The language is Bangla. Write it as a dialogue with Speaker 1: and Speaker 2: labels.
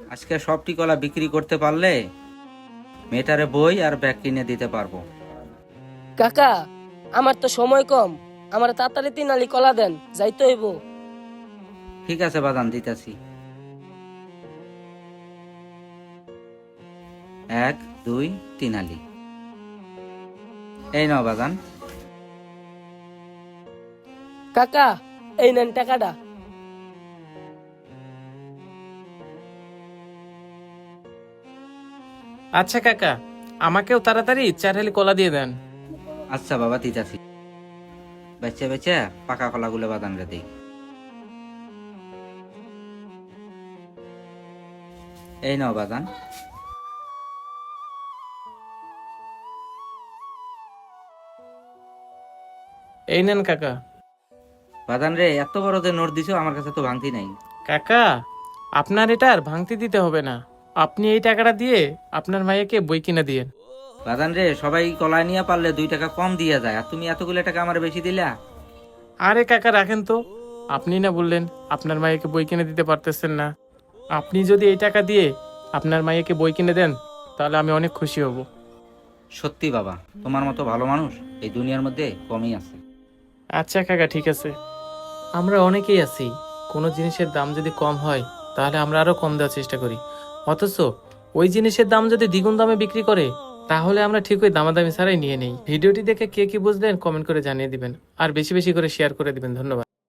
Speaker 1: আজকে সবটি কলা বিক্রি করতে পারলে মেয়েটারে বই আর ব্যাগ কিনে দিতে পারবো।
Speaker 2: কাকা, আমার তো সময় কম, আমার তাড়াতাড়ি 3 আলি কলা দেন, যাইতে হইব।
Speaker 1: ঠিক আছে বাদান, দিতেছি। 1 2 3 আলি। এই নাও বাদান।
Speaker 2: কাকা, এই নেন টাকাটা।
Speaker 3: আচ্ছা কাকা, আমাকেও তাড়াতাড়ি 4 হালি কলা দিয়ে দেন।
Speaker 1: আচ্ছা বাবা, দিতেছি। বেচে বেচে পাকা কলাগুলো বাদান রে দিই। এই নাও বাদান।
Speaker 3: এই নেন কাকা।
Speaker 1: বাদান রে, এত বড় যে নোট দিছো, আমার কাছে তো ভাঙতি নাই।
Speaker 3: কাকা, আপনার এটা আর ভাঙতি দিতে হবে না। আপনি এই টাকাটা দিয়ে আপনার মাইয়াকে বই কিনে দিয়েন।
Speaker 1: বাদান রে, সবাই কলা নিয়ে পারলে 2 টাকা কম দিয়ে যায়, আর তুমি এতগুলো টাকা আমার বেশি দিলা।
Speaker 3: আরে কাকা রাখেন তো, আপনি না বললেন আপনার মাইয়াকে বই কিনে দিতে পারতেছেন না। আপনি যদি এই টাকা দিয়ে আপনার মাইয়াকে বই কিনে দেন তাহলে আমি অনেক খুশি হব।
Speaker 1: সত্যি বাবা, তোমার মতো ভালো মানুষ এই দুনিয়ার মধ্যে কমই আছে।
Speaker 3: আচ্ছা কাকা, ঠিক আছে। আমরা অনেকেই আছি, কোনো জিনিসের দাম যদি কম হয় তাহলে আমরা আরো কম দেওয়ার চেষ্টা করি, অথচ ওই জিনিসের দাম যদি দ্বিগুণ দামে বিক্রি করে তাহলে আমরা ঠিক ওই দামাদামি ছাড়াই নিয়ে নেই। ভিডিওটি দেখে কে কি বুঝলেন কমেন্ট করে জানিয়ে দিবেন, আর বেশি বেশি করে শেয়ার করে দিবেন। ধন্যবাদ।